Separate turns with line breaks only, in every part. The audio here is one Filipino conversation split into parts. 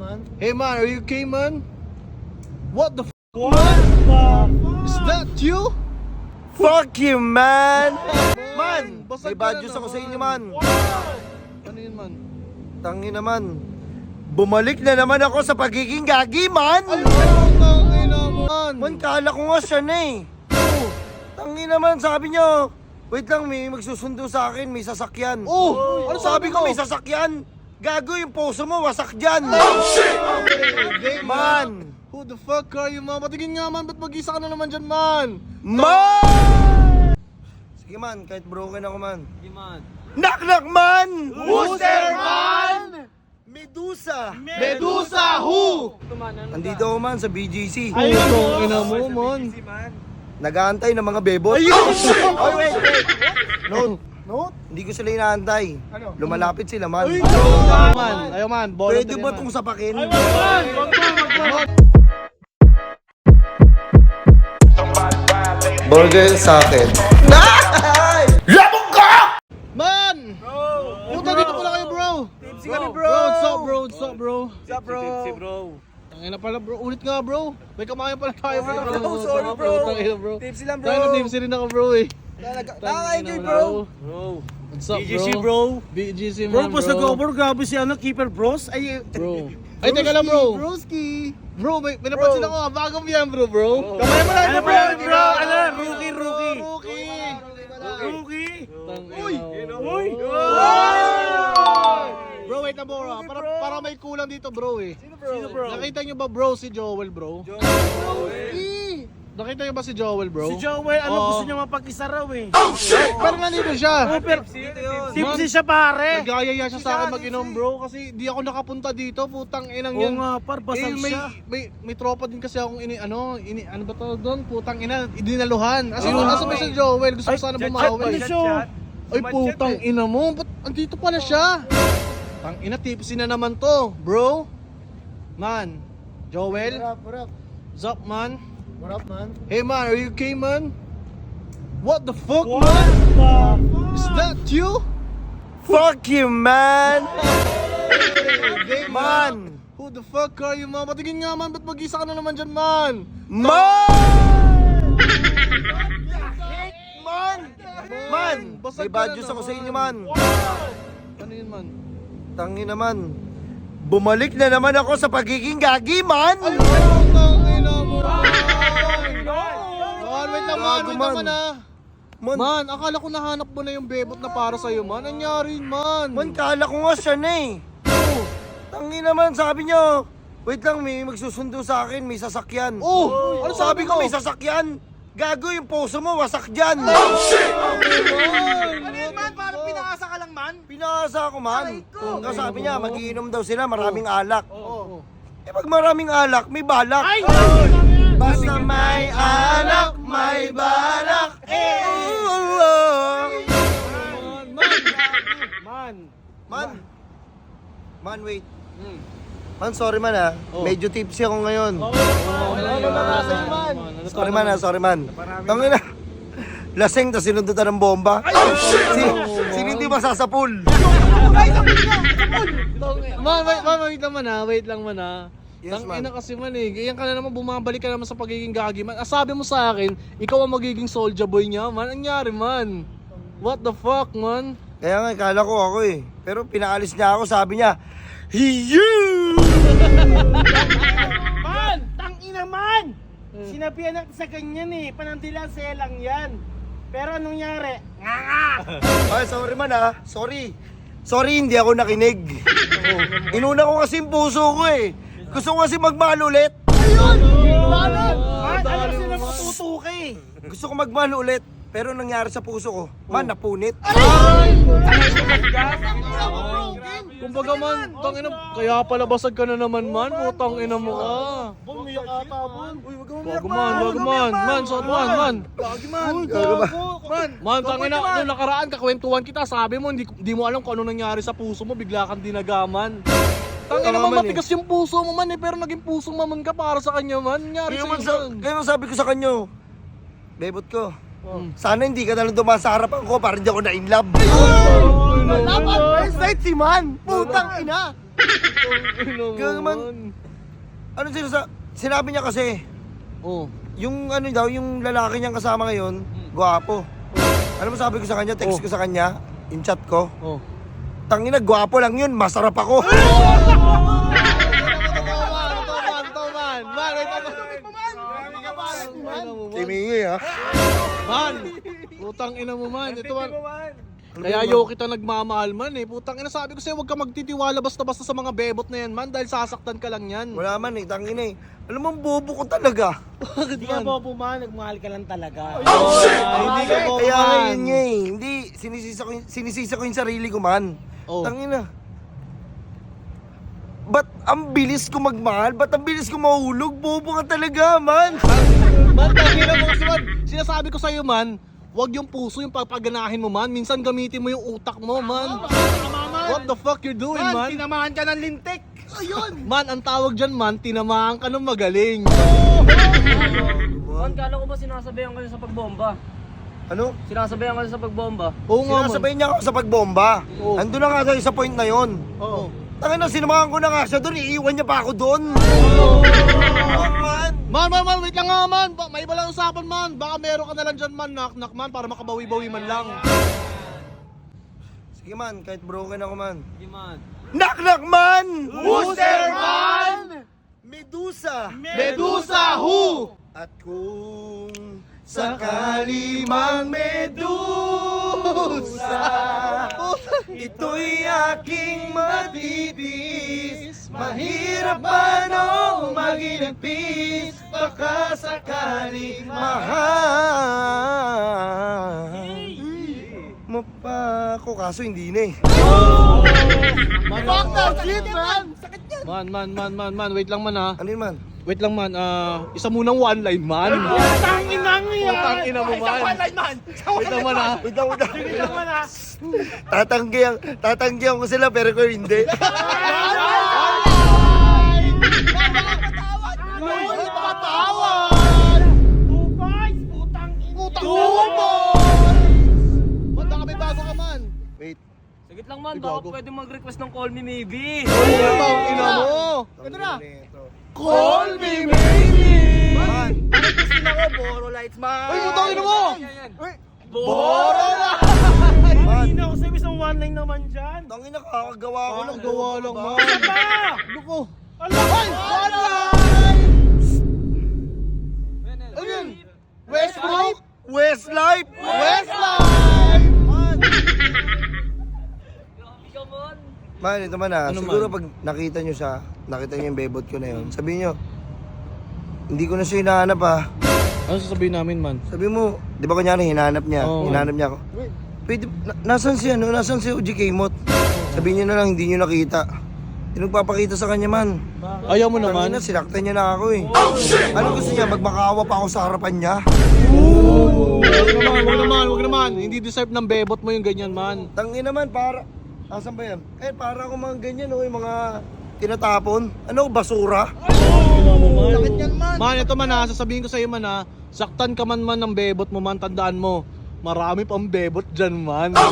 man?
Hey man, are you okay, man? What the f***?
What the
Is that you?
Fuck you, man! Man!
Basag
May
ka
bad news
na
ako sa
naman.
inyo, man.
Ano yun, man?
Tangin naman. Bumalik na naman ako sa pagiging gagi, man!
Ay, tangin naman.
Man, kala ko nga siya na eh. Tangin naman, sabi nyo. Wait lang, may magsusundo sa akin, may sasakyan.
Oh! Ano
Sabi ko
mo?
may sasakyan. Gago yung puso mo, wasak dyan.
Okay,
Man!
Who the fuck are you, man? Patigin nga, man. Ba't mag-isa ka na naman dyan, man?
Man! Sige man, kahit broken ako man.
Sige, man.
Knock knock man!
Who's there, man?
Medusa!
Medusa, who?
Andito ako man sa BGC.
Ayun, oh, ina mo, man.
Nag-aantay ng mga bebot.
Ayun!
Oh, wait. Note,
Note?
hindi ko sila inaantay.
Ano?
Lumalapit sila man.
Ayaw, man. Ayaw, man.
Pwede ba itong sapakin? Burger sa akin. Labog ka!
Man! Puta, dito pala kayo, bro.
Tipsy kami, bro.
What's up, bro? What's up, bro?
What's up, bro?
Tangina pala, bro. Ulit nga, bro. May kamayan pala tayo, bro.
bro. Sorry, bro.
Tangina, bro.
Tipsy lang, bro.
Tangina, tipsy rin ako, bro, eh.
Nakaka-enjoy, bro.
What's up,
BGC,
bro?
bro.
BGC,
Bro,
man,
pas nag-over, grabe si ano, keeper bros. Ay,
Bro. Ay, teka lang, bro.
Broski.
Bro, may napansin ako, ah. Bagong yan, bro.
Kamay mo lang,
ano
bro.
bro? Ano, rookie.
Uy!
Uy!
Bro, wait na, bro. Ah. Para may kulang dito, bro, eh.
Sino, bro?
Nakita nyo ba, bro, si Joel, bro? Nakita nyo ba si Joel, bro?
Si Joel, ano
Oo.
gusto niya mapag-isa raw eh.
Pero nandito siya.
Super, tipsy siya pare.
Nagayaya siya sa akin mag-inom, bro, kasi di ako nakapunta dito, putang inang
Oo
yan.
nga, par, basag siya.
May tropa din kasi akong ano ba tawag doon? Putang ina, dinaluhan. Kasi nasa ba si Joel? Gusto ko sana bumawi.
Ano siya?
Ay, putang ina mo, ba't andito pala siya? Tang ina, tipsy na naman to, bro. Man, Joel,
What up?
what's up, man?
What up, man?
Hey man, are you okay, man? What the fuck,
What
man?
the
Is that you?
Fuck you, man!
Hey,
Man!
Who the fuck are you, man? Patigin nga, man. Ba't mag-isa ka na naman dyan, man?
Man! Man!
Basag
May
ka
bad
na
news ako sa
naman.
inyo, man.
Ano yun, man?
Tangin naman. Bumalik na naman ako sa pagiging gagi, man!
Ay, tangin na mo. Man, wait lang, man.
Gago,
Wait
man.
lang, man, ah.
Man,
Man, akala ko nahanap mo na yung bebot na para sa'yo, man. Nangyari yun, man.
man, kala ko nga siya na eh. Tangin naman, sabi nyo. Wait lang, may magsusundo sa akin, may sasakyan.
Oh! Ano
Sabi ko
mo?
may sasakyan. Gago yung puso mo, wasak dyan.
Ano yun, man? Parang pinaasa ka lang, man?
Pinaasa ako, man.
ko.
Kasi sabi niya, magiinom daw sila, maraming alak.
Oo.
Eh pag maraming alak, may balak.
Ay!
Basta may alak, may balak.
Man.
Man, wait. Man, sorry man ah.
Oh.
Medyo tipsy ako ngayon. Sorry
man.
man ah, sorry man. Tangin na. Lasing, tas sinundutan ng bomba. Sino hindi masasapul?
Man, wait lang man ha. Wait lang man ha.
Yes,
Tang
man.
ina kasi man eh. Ganyan ka na naman, bumabalik ka naman sa pagiging gagi man. Sabi mo sa akin, ikaw ang magiging soldier boy niya man. Anyari man? What the fuck, man?
Kaya nga, kala ko ako eh. Pero pinaalis niya ako, sabi niya, Hiyu!
Man, tangina man! Sinabihan natin sa ganyan eh, panandila selang yan. Pero anong nangyari?
Ay, sorry man ah. Sorry. Sorry, hindi ako nakinig. Inuna ko kasi yung puso ko eh. Gusto ko kasi magmahal ulit.
Man, ano sila matutuki?
Gusto ko magmahal ulit. Pero nangyari sa puso ko, man, napunit.
Kumbaga man, tang ina, kaya pala basag ka na naman man. Putang ina mo ka.
Bumiyak ata, Bon. Uy, wag
Wag man. Man, sorry man. Man, tang ina, nung nakaraan kakwentuhan kita, sabi mo hindi mo alam kung ano nangyari sa puso mo, bigla kang dinagaman. Tangina
Tama
naman,
man
matigas yung puso mo man eh, pero naging puso mamon ka para sa kanya man. Nangyari
Kaya man sabi ko sa kanyo, bebot ko,
Oh.
sana hindi ka nalang dumaan sa harapan ko para hindi ako na-inlove.
Dapat first night si man. Putang ina.
Gago man. Ano sinabi niya kasi,
Oh.
yung ano daw, yung lalaki niyang kasama ngayon, gwapo. Alam mo sabi ko sa kanya, text ko sa kanya, yung chat ko,
Oh.
tangina, gwapo lang yun, masarap ako. Timingi ha.
Man, putang ina mo man. Ito man. Kaya yo kita nagmamahal man eh. Putang ina, sabi ko sa'yo, huwag ka magtitiwala basta-basta sa mga bebot na yan man dahil sasaktan ka lang yan.
Wala man eh, tangina eh. Alam mo, ang bobo ko talaga.
Bakit
Hindi ka
man?
bobo man, nagmahal ka lang talaga.
Hindi ka po
Kaya
man.
yun nga eh. Hindi, sinisisa ko yung sarili ko man.
Oh.
Tangina. Ba't ang bilis ko magmahal? Ba't ang bilis ko mahulog? Bobo ka talaga, man.
Man, tangina mo kasi man. Sinasabi ko sa'yo man, huwag yung puso yung papaganahin mo man. Minsan gamitin mo yung utak mo man. What the fuck you doing man?
Tinamahan ka ng lintik.
Man, ang tawag dyan man, tinamaan ka ng magaling.
Man, kala ko ba sinasabayan kayo sa pagbomba?
Ano?
Sinasabayan kayo sa pagbomba?
Oo nga man.
Sinasabayan niya ako sa pagbomba.
Oo.
Andun na nga tayo sa point na yon.
Oo.
Tangina, sinamahan ko na nga siya doon. Iiwan niya pa ako doon. Man.
Man, wait lang nga man. May iba lang usapan man. Baka meron ka na lang dyan man, knock man, para makabawi-bawi man lang.
Sige man, kahit broken ako man.
Hindi man.
Knock man!
Who's there, man?
Medusa!
Medusa, who?
At kung sakali mang Medusa, ito'y aking matitiis. Mahirap ba nung maginagpis? Baka sakaling mahal mo pa ako, kaso hindi na eh.
Man, wait lang man ha.
Ano yun man?
Wait lang man, isa munang one line man.
Tangin na nga yan!
Putang ina mo man. Wait lang man ha.
Wait lang.
Sige naman ha!
Tatanggihan ko sila pero ko hindi.
Two boys! Putang ina!
Man, may bago ka man.
Wait.
Sagit lang man, baka pwede mag-request ng call me maybe.
Putang ina mo.
Ito na.
Call me maybe.
Man,
Boro lights man.
Ay, putang ina mo.
Boro na!
man.
Hindi na ako sabi isang one line naman dyan.
Tangin na, kakagawa ko lang.
Gawa lang man.
Isa pa!
Ano ko?
Ala!
Ano yun? Westbrook?
Westlife!
Westlife!
Grabe ka man.
Man, ito man
Ano
siguro
man?
pag nakita nyo siya, nakita nyo yung bebot ko na yun, sabihin nyo, hindi ko na siya hinahanap ha.
Ano sasabihin namin man?
Sabi mo, di ba kanyari hinahanap niya?
Oo.
Hinahanap niya ako. Pwede, nasan si ano? Nasan si OG Kmot? Sabihin niyo na lang, hindi niyo nakita. Hindi nagpapakita sa kanya man.
Ayaw mo naman?
Tangina, sinaktan niya na ako eh. Ano gusto niya? Magmakaawa pa ako sa harapan niya?
Wag naman. Hindi deserve ng bebot mo yung ganyan man.
Tangin naman, para... Asan ba yan? Para ako mga ganyan oh, yung mga tinatapon. Ano, basura?
Sakit yan man.
Man, ito man ha, sasabihin ko sa iyo man ha, saktan ka man ng bebot mo man, tandaan mo, marami pang bebot dyan man. Man.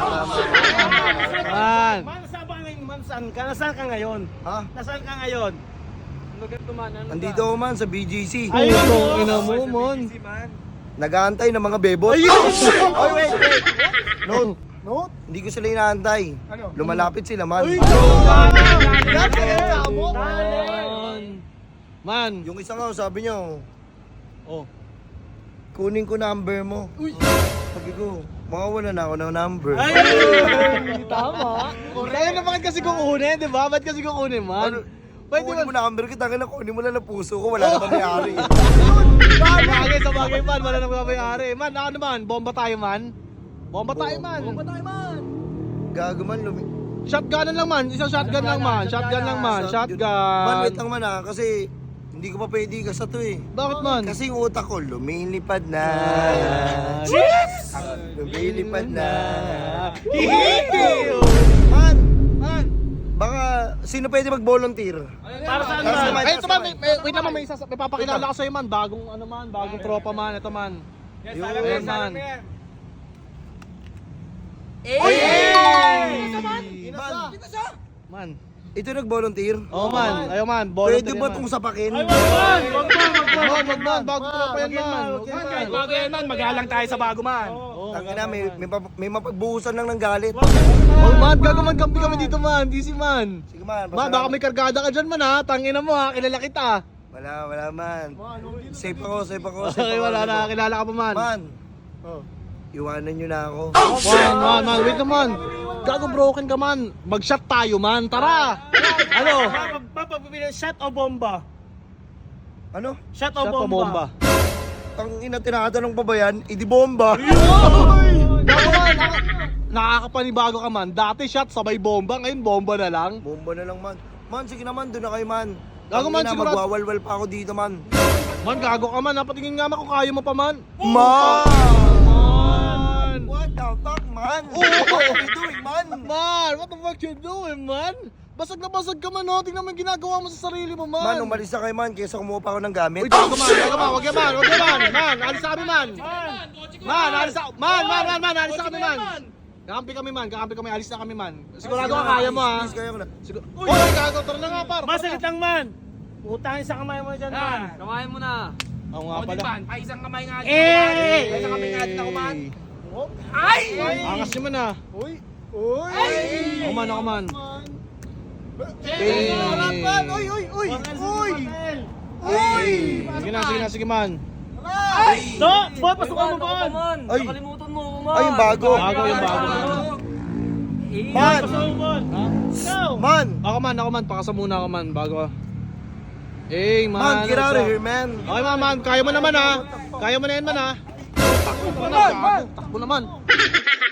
Man, saan ba ngayon man? Saan ka? Nasaan ka ngayon?
Ha?
Nasaan ka ngayon?
Lugat ko man, ano
Andito ako man sa BGC.
Putong ina mo man.
Nag-aantay ng mga bebot. Ayun! Ay, wait. Note. Hindi ko sila inaantay. Lumalapit sila man.
Man.
Yung isa nga, sabi niya,
Oh.
kunin ko number mo. Sabi ko, mawawala na ako ng number.
Tama. Kaya na bakit kasi kukunin, di ba? Ba't kasi kukunin man? Pwede
Kunin mo
man.
number kita, kunin mo lang na puso ko, wala na may-ari.
Bagay sa bagay man, wala nang mamayari. Man, ako naman, bomba tayo man. Bomba tayo man.
Gago man,
Shotgun lang man, isang shotgun lang man. Shotgun lang man,
Man,
shotgun.
wait lang man kasi hindi ko pa pwede ka sa to eh.
Bakit man?
Kasi yung utak ko, lumilipad na. Lumilipad na. Man, baka sino pwede mag-volunteer?
Para saan
Para sa
man?
Ay, ito man, wait lang man, may papakilala ko sa'yo man, bagong ano man, bagong tropa man, ito man. Ayan man. Man,
Ito nag-volunteer?
Oo man, ayaw man.
Pwede ba itong sapakin?
Wag man, bago tropa yan man.
Kahit bago yan man, magalang tayo sa bago man.
Tangina, may mapagbuhusan lang ng galit.
Oh man, gago man, kampi kami dito man. Easy man.
Sige man,
Man, baka may kargada ka dyan man ha. Tangina mo ha, kilala kita.
Wala man. Safe ako.
Okay, wala na, kilala ka pa man.
Man, iwanan nyo na ako.
Man, wait naman. Gago broken ka man. Mag-shot tayo man, tara. Ano?
Papapili, shot o bomba?
Ano?
Shot o
Shot o
bomba?
bomba?
Tangina, tinatanong pa ba yan? Idi bomba.
Gago man, nakakapanibago ka man. Dati shot, sabay bomba. Ngayon bomba na lang.
Bomba na lang man. Man, sige naman, doon na kayo man.
Gago man,
Tangina,
sigurado-
magwawalwal pa ako dito man.
Man, gago ka man. Napatingin nga man kung kaya mo pa man.
Man!
Man!
What the fuck, man?
Oh!
What are you doing, man?
Man, what the fuck you doing, man? Basag na basag ka man, no? Tingnan mo yung ginagawa mo sa sarili mo, man.
Man, umalis na kayo man, kaysa kumuha pa ako ng gamit.
Uy, gago man, wag yan man, man, alis na kami man. Man, alis na, man, alis na kami man. Kakampi kami, alis na kami man. Sigurado ka kaya mo ha.
Please, kaya ko na.
Uy, gago, tara na nga par.
Masalit lang man! Utangin sa kamay mo dyan man!
Kamayan mo na.
Oo nga
O di
pala.
man, pa isang kamay nga.
Eh!
Isang kamay nga din ako man.
Angas niyo man ha.
Uy!
Ako man. Sige man.
No! Boy, pasukan mo
Ako
man!
man.
Ay.
Nakalimutan mo ako man.
Ay, yung bago.
Bago yung bago.
Man!
Pasukan mo man! Go!
Man!
Ako man, pakasa muna ako man, bago ka. Man.
Man, get out of
what's up?
here, man!
Okay man, kaya mo naman ha. Kaya mo na yan man ha. Takbo naman.